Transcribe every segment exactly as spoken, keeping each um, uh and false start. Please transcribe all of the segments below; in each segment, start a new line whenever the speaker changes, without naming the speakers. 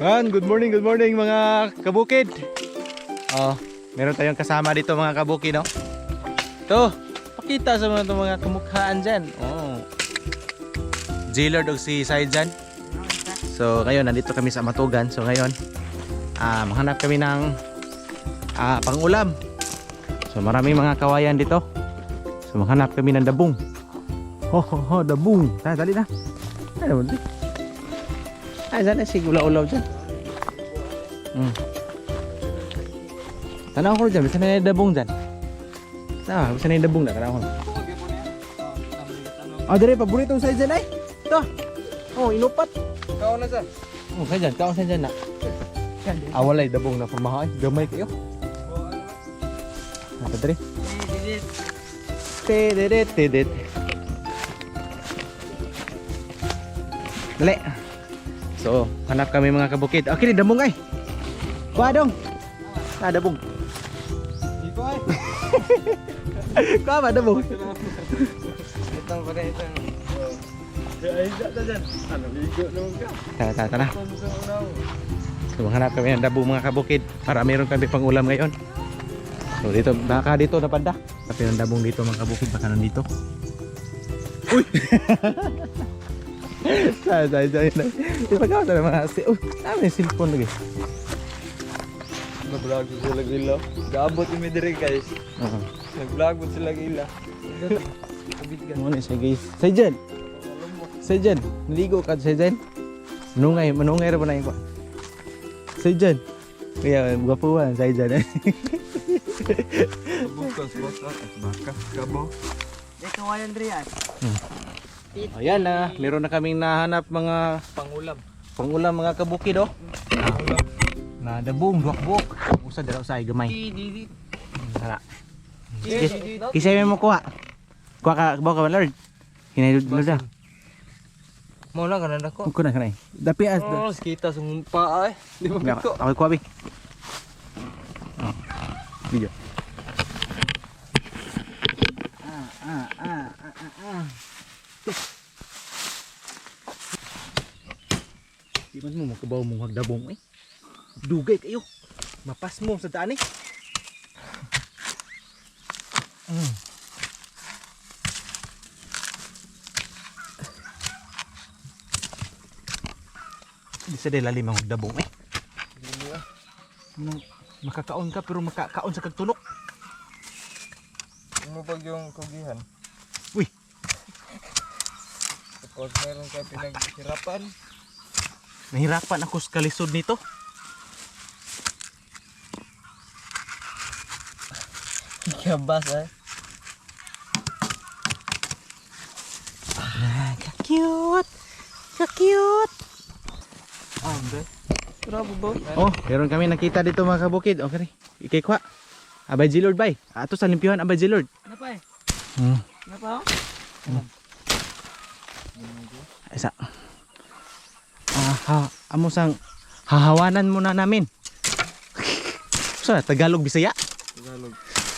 Yan, good morning, good morning mga kabukid. Oh, meron tayong kasama dito mga kabukid, no? Ito, pakita sa mga mga kamukhaan dyan. Oh. J-Lord o si Saijan. So, ngayon, nandito kami sa Matugan. So, ngayon, ah, maghanap kami ng ah, pang-ulam. So, maraming mga kawayan dito. So, maghanap kami ng dabong. Ho, ho, ho, dabong. Tara, dali na. Ano, dali. Ay, sana si ulaw-ulaw dyan. Hmm. Tanaw ko dyan, bisa na yung dabong dyan. Ah, bisa na yung dabong na, tanaw ko. Ah, dari, paborito sa dyan ay. Ito. Oh, inupat.
Kaon na sa.
Oh, kaya dyan, kaon sa dyan na. Ah, walay dabong na pamahay. Gamay kayo. Ito, dari. Tidit, tidit. Dali. So, hanap kami mga kabukid. Okay, ni dabong ay. Kuha dong. Ah, dabong.
Dito ay.
Kuha ba dabong?
Itong pa rin itong. Ay, dito dyan. Ano, ligo naman ka.
Tara, tara, tara. So, hanap kami ng dabong mga kabukid para meron kami pang ulam ngayon. So, dito, baka dito napanda. Tapi ng dabong dito mga kabukid, baka nandito. Uy! Say, say, say, say. Ipagawa sa mga asi. Uy, namin yung cellphone lagi.
Nag-vlog ko sila gila. Gaabot yung midiri guys.
Oo.
Nag-vlog ko sila gila.
Muna siya guys. Say dyan. Say dyan. Naligo ka say dyan. Manungay, manungay rin mo na yung kwa. Say dyan. Kaya, gwapuan, say dyan.
Bukas, bukas. Bakas, kabo.
Ito nga yung Drian.
Ayan na, meron na kaming nahanap mga
Pangulam.
pangulam mga kabukid oh.
Pangulam.
Na dabong, duwak-buok. Usa dala usay gamay.
Didi.
Hala. Kisay mo kuha. Kuha ka bawa ka Lord. Hinay Lord da.
Mo lang kanan ako.
Kuha na kanay. Dapi as.
Oh, kita sumpa ay. Di ba piko?
Ako kuha bi. Oh. Video. Ah ah ah ah ah. Di man mo makabaw mo hagdabong eh. Dugay kayo. Mapas mo sa daan eh. Mm. Di sa lalim ang hagdabong eh. Nang makakaon ka pero makakaon sa kagtunok.
Mo pag yung kugihan.
Uy.
Tapos meron ka pinaghirapan.
Nahirapan ako sa kalisod nito.
Kabas ay.
Ah, ka-cute. Ka-cute.
Ah, be. Grabe ba?
Oh, meron kami nakita dito mga kabukid. Okay. Ikay kwa. Abay G-Lord bay. Ato sa limpyuhan Abay G-Lord.
Ano pa eh?
Hmm.
Ano pa oh?
Isa. Ah, ha, amo sang hahawanan muna namin. Sa Tagalog Bisaya.
Tagalog.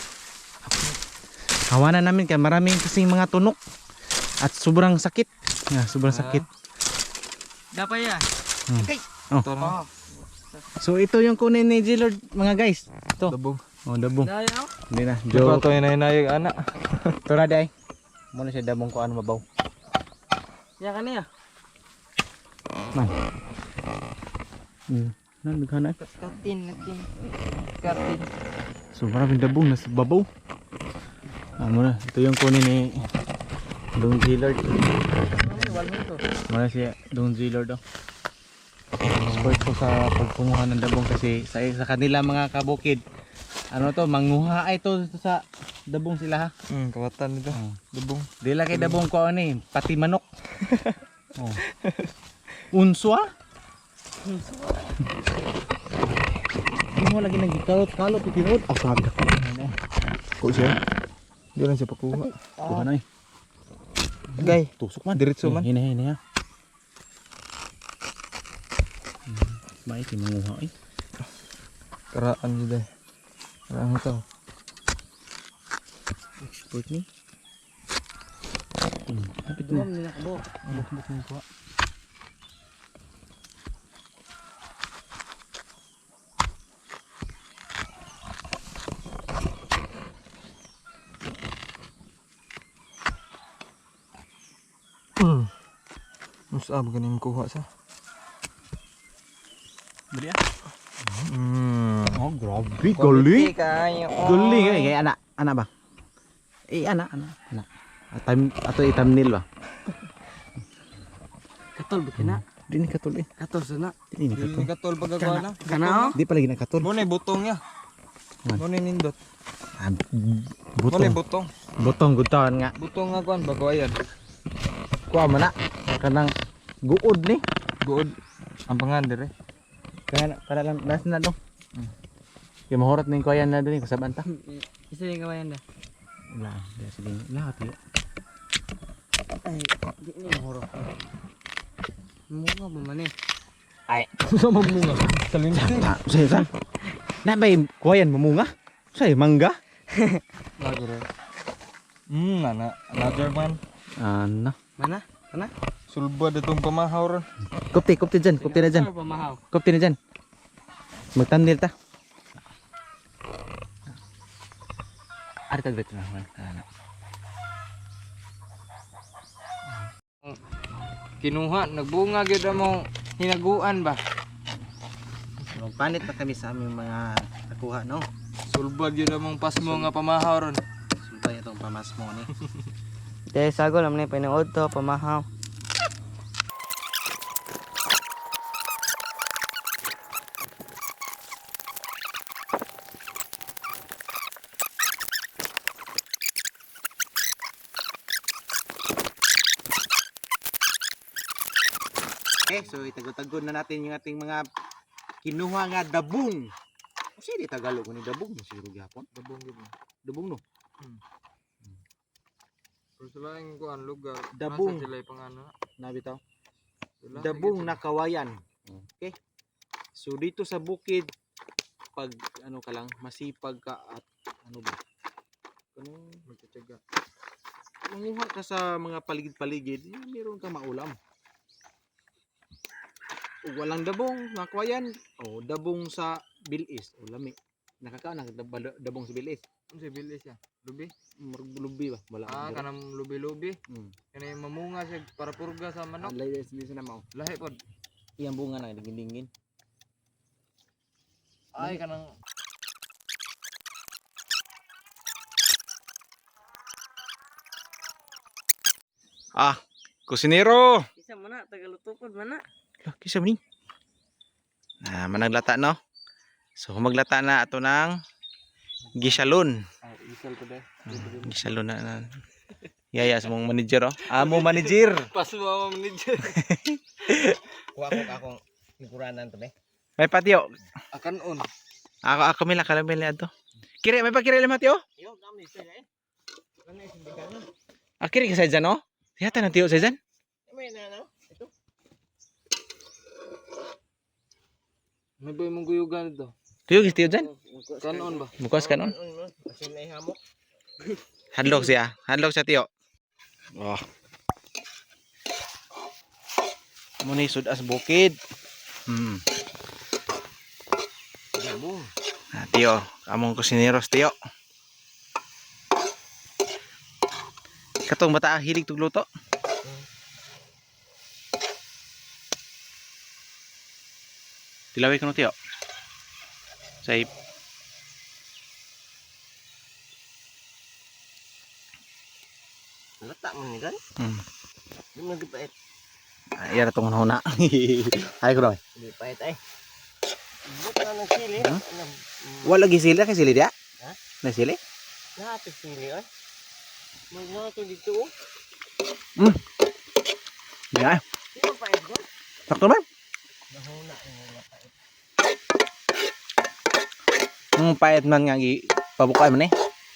Hawanan namin kay maraming kasing mga tunok at sobrang sakit. Yeah, sobrang
Ah.
sakit.
Dapat ya.
Hmm.
Okay.
Oh.
Tara.
So ito yung kunin ni G-Lord mga guys. Ito.
Dabog.
Oh, dabong.
Dahil ako.
Hindi na.
Joke.
Joke.
Ito yung nainayag anak.
Tura day. Muna siya dabong ko ano mabaw.
Ya kan ya.
Man. Hmm. Nan bigana.
Katin, natin. Katin.
So maraming dabong nasa babaw. Ah, muna. Ito yung kunin ni Dong G-Lord. Muna siya Dong G-Lord oh. Support ko sa pagpunguhan ng dabong kasi sa, sa kanila mga kabukid. Ano to, manguha ay to sa dabong sila ha.
Hmm, kawatan nito.
Oh.
Dabong.
Dila kay dabong ko ano eh, pati manok. Oh. Unswa? Unswa. Hindi mo lagi nagkalot-kalot itinod. Ah, sabi ko.
Ko siya. Di lang siya pakuha.
Kuha na eh.
Gay.
Tusok man.
Diretso man.
Hina, hina, hina. Baik, manguha eh.
Karaan juga. Karaan ito.
Export ni. Hmm, kapit mo. Buk-buk mo kuha.
Usab ganing kuha sa.
Beri ah.
Hmm.
Oh, grabe gali.
kayo.
Gali kay kay anak, anak ba? Eh anak, anak, anak. Atam ato thumbnail ba?
Katol bikin na.
Di ni katul eh.
Katol sana.
Di ni
Dili
katul.
ni katol pagagawa na.
Kana oh.
Di pa lagi na katul.
Mo ni butong ya.
Man.
Mo ni nindot.
Ah,
Mo ni
butong.
butong.
Butong gutawan nga.
Butong nga kuan bagawayan.
Kuha man na. Kanang guod ni.
Good. Ang pangan dire.
Kaya na, para lang das na dong. Kaya mahurot ning kuya na din kasaban ta.
Isa din kawayan da.
Wala, di sige. Lahat yo.
Ay, di ni horo. Munga ba man eh.
Ay,
Sa mamunga. Salinti.
ah, say san. Na bay kuyan mamunga. Say mangga.
Lago re. Hmm, ana another one.
Ana.
Mana? Mana?
Sulba datong pamahaw ron.
Kupti, kupti dyan, kupti na dyan.
Pamahaw.
Kupti na dyan. Magtandil ta. Ari tag dito na. Ana.
Kinuha, nagbunga gyud mo hinaguan ba?
Magpanit pa kami sa aming mga nakuha, no?
Sulba gyud among pasmo nga pamahaw ron.
Sultay itong pamasmo ni.
Dahil sagol naman yung pinood to, pamahaw.
Okay, so itagod-tagod na natin yung ating mga kinuha nga dabong. Kasi di Tagalog ni dabong, siguro gyapon.
Dabong gyud.
Dabong no.
Pero sila ang kuan lugar.
Dabong.
Nasa sila yung pangano.
Nabitaw.
Sila,
Dabong
sige,
na kawayan. Okay. So dito sa bukid pag ano ka lang masipag ka at ano ba? Kanang
magtitiyaga.
manguha ka sa mga paligid-paligid, eh, meron kang maulam. O walang dabong, nga kawayan. O dabong sa bilis o lami. Nakakaon ng dab- dabong sa bilis.
Ano si bilis ya? Lubi?
Maruglubi ba? Wala.
Ah, kanang lubi-lubi.
Hmm.
Kana yung mamunga siya para purga sa manok.
Alay sa na mao.
Lahi pod.
Iyang bunga na dingin-dingin.
Ay kanang
Ah, kusinero.
Isa mana, tagalutupod mana.
Lah, kisa ni. Nah, managlata no. So maglata na ato ng gisalon.
ay isal ko dai.
Gisalon na. na. Yaya sa mong manager oh. Amo manager.
Pas mo ang manager.
Kuha ko akong nikuranan to be.
May patio.
Akan on.
Ako ako mila kalamel ato. Kire may pa kire le matio.
Yo, kami sila eh. Ano yung sindikan na?
Ah, kire ka sa dyan no? Yata na tiyo sa dyan.
May na no? Ito.
May ba mong guyugan dito?
Tiyo gis tiyo dyan.
Kanon ba?
Mukas kanon.
Kasi may hamok.
Hadlok siya. Hadlok siya tiyo. Oh. Muni sudas bukid. Hmm.
Dabong.
Ah, tiyo, among kusineros tiyo. Katong bata hilig tug luto. Tilaway ko no tiyo. Say
Lata mo ni kan?
hmm.
Di mo nagpait.
Ah, iya tong hona. Hay ko daw.
Di pait eh. Buta na ng sili.
Huh? Wala lagi sili kay sili dia.
Ha?
Na sili?
Lahat ng sili eh. May mga to dito oh.
Hmm. Ya,
Di ba pait ko?
sakto man.
Nahuna ang mga pait.
Ang payat man nga gi pabukay man eh.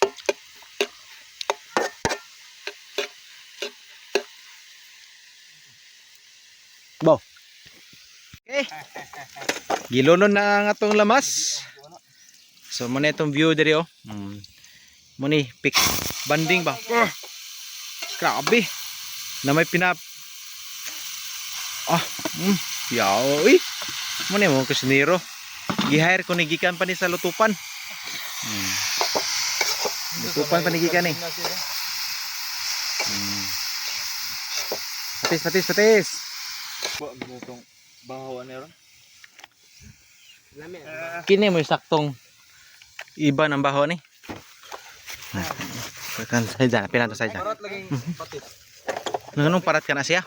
Bo. Okay. Gilonon na ang atong lamas. So mo na itong view diri oh. Mm. Mo ni pick banding ba. Oh. Grabe. Na may pinap. Ah, mm. Yaw, uy. Mo ni mo kusinero. Gi-hire ko ni gikan pa ni sa lutupan. Hmm. Lutupan pa ni gikan ni. Hmm. Patis, patis, patis.
Ba gutong bahawan ni ron.
Lami.
Kini mo yung saktong iba ng baho ni. Kan saya dyan, pinato saya dyan.
Parat lagi patis.
Nganong parat ka na siya?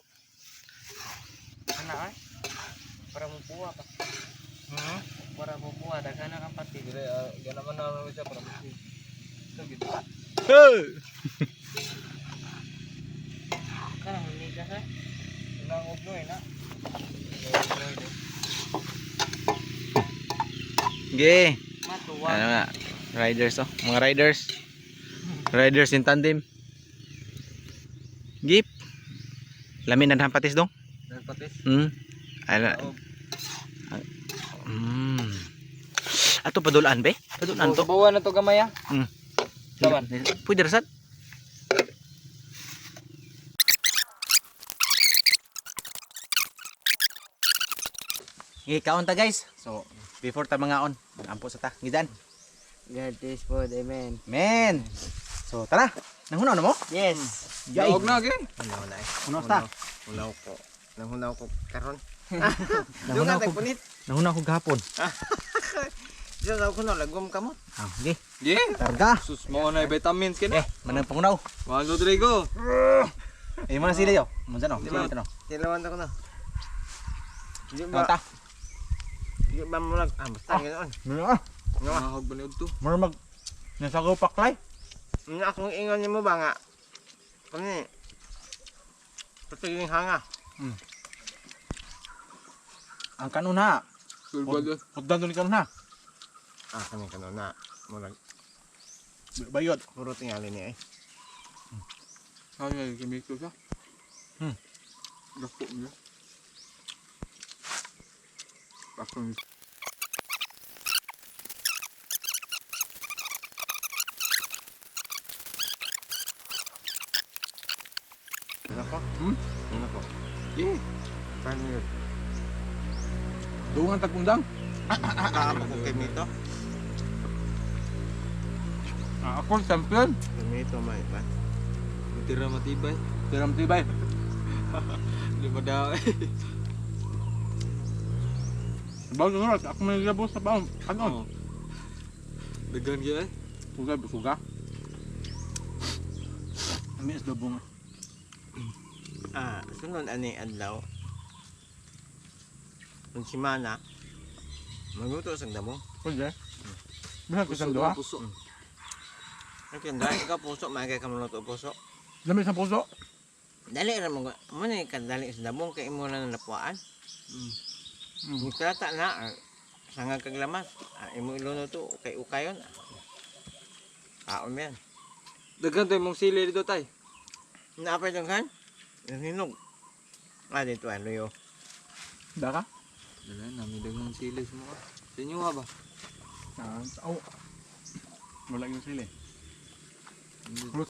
Ana ay. Para mo puwa pa.
Hmm.
Para mo puwa daghan na kang pati.
Dire ganaman na siya para patis. Sige.
Kana hindi ka sa.
Nang ugnoy na.
Ge.
Matuwa.
Ano nga? Riders oh, mga riders. Riders in tandem. Gip. Lamin na patis dong.
Nang patis.
Hmm. Ala. Hmm. Ato padulaan be? Padulaan to.
Bawa na to gamay ah.
Hmm.
Lawan.
Pwede rasad. Ikaon ta guys. So, before ta mangaon, ampo sa ta. Gidan.
God is for the man.
Men. So, tara. Nanghunaw na mo?
Yes.
Yay.
Daog na gi.
Ano na eh.
Hunaw ta.
Hunaw ko. Nanghunaw ko karon.
Nanghunaw ko.
punit.
Nanghunaw ko gahapon.
Diyo daw ko no lagom kamot.
Ah, okay.
Gi.
Targa.
Sus mo na vitamins kini.
Eh, manang pangunaw.
Walo dire go.
Eh, mana sila yo? Munsa no?
Di
Sila
ba?
ito no?
Tilawan ko no. Di
Kaon
ba?
ta.
Di ba mo lag ah basta ganoon.
Mura ah.
Nga.
Mahog ba ni udto?
Mura mag nasagaw paklay.
Nga akong ingon nimo ba nga. Kani. Patiging hanga.
Ang kanon ha.
Sulbad.
Hugdan ni kanon ha.
Ah kani kanon na. Mo lag
Bayod.
puro tingali ni eh.
Ay kimi ko siya.
Hmm.
Dako niya. Ako ni.
Ano ko?
Hmm?
Ano ko?
Gi.
Paano yun?
Dungan tagundang.
Kaamo ko kay Mito.
Ah, ako champion.
Kay Mito may ba?
Tira matibay. Tira matibay. Lima daw.
Bago nga, ako may labo sa baon.
Ano? Dagan gyud ay.
Suga, suga. Ami is dobo nga.
Ah, sunod ani adlaw. Kung si Mana, magluto sa damo.
Pwede. Bisa ko isang duha.
Puso.
Okay, dahil ikaw puso, magkay ka maluto puso.
Lami sa puso.
Dali ra mo. Mo na kadali sa damo kay imo na napuan.
Mm.
Ni krata na ah, sangag kag lamas. Ah, imo iluno to kay ukayon. Ah, yan.
Dagan to imong sili dito tay.
Naapay dong kan? Hinog. Ah, dito ano yo.
Daka?
Dala na mi dagang sili sa mga. Sa inyo nga ba?
Ah, oh. Wala yung sili.